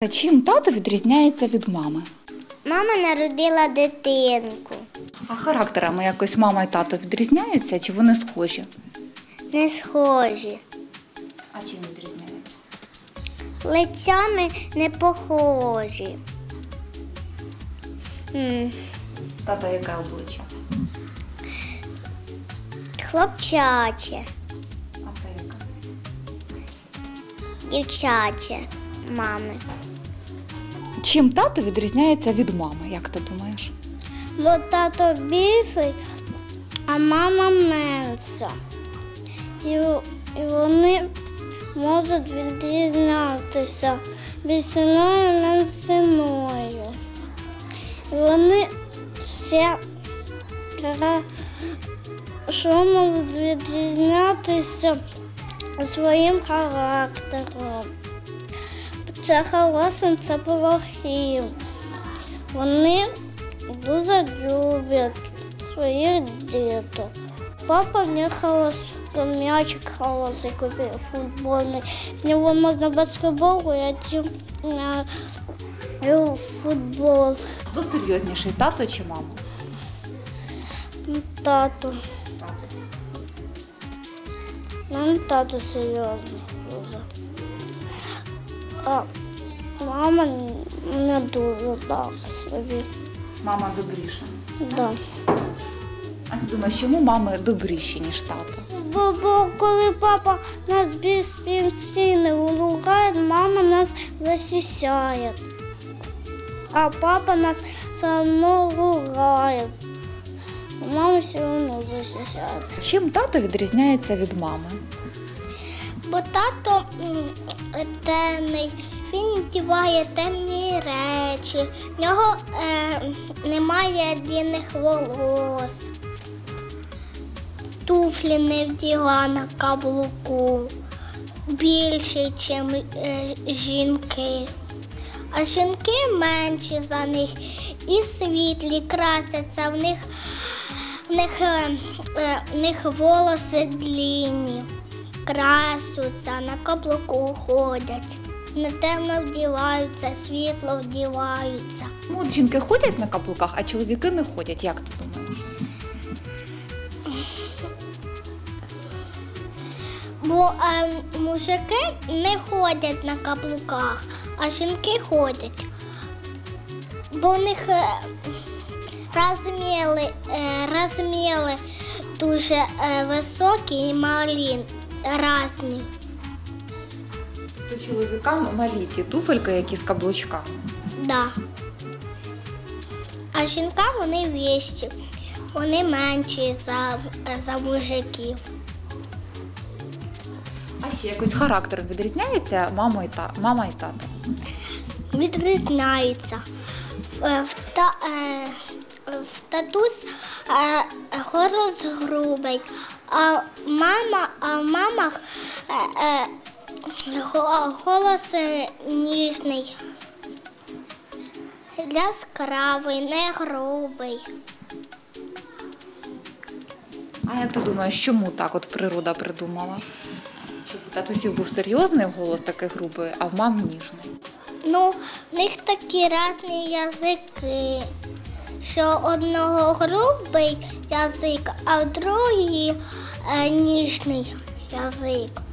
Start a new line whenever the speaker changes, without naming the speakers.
Чим тато відрізняється від мами?
Мама народила дитинку.
А характерами якось мама і тато відрізняються, чи вони схожі?
Не схожі.
А чим відрізняються?
Лицями не похожі.
Тато яке обличчя?
Хлопчаче,
А це яке?
дівчаче мами.
Чим тато відрізняється від мами, як ти думаєш?
Бо тато більший, а мама менша. І вони можуть відрізнятися більшиною, меншиною. І вони все що можуть відрізнятися своїм характером. Це хорошим, це плохим. Вони дуже люблять своїх діток. Папа не хороший, м'ячик хороший купив, футбольний. В нього можна баскетбол грати, в футбол.
Хто серйозніший, тато чи мама?
Тато. Тато серйозний дуже. А мама не дуже так собі.
Мама добріша.
Да.
А ти думаєш, чому мами добріші, ніж тато?
Бо коли папа нас без пенсійних ругає, мама нас захищає. А папа нас все одно ругає. Мама все одно захищає.
Чим тато відрізняється від мами?
Бо тато темний, він вдіває темні речі, в нього немає длинних волос, туфлі не вділа на каблуку, більше, ніж жінки. А жінки менші за них і світлі, красяться, в них волоси длинні. Красуться, на каблуку ходять, не темно вдіваються, світло вдіваються.
Ну, от жінки ходять на каблуках, а чоловіки не ходять. Як ти думаєш?
Бо мужики не ходять на каблуках, а жінки ходять. Бо в них розміри дуже високі і малі. Разні.
Тобто чоловікам малі ті туфельки, які з каблучками?
Да. А жінкам вони вищі, вони менші за мужиків.
А ще якось характером відрізняється мама і тато?
Відрізняються. В татусь голос грубий, а в мамах голос ніжний, яскравий, не грубий.
А як ти думаєш, чому так от природа придумала? Щоб у татусів був серйозний голос, такий грубий, а в мам ніжний?
Ну, в них такі різні язики, що одного грубий язик, а в другий ніжний язик.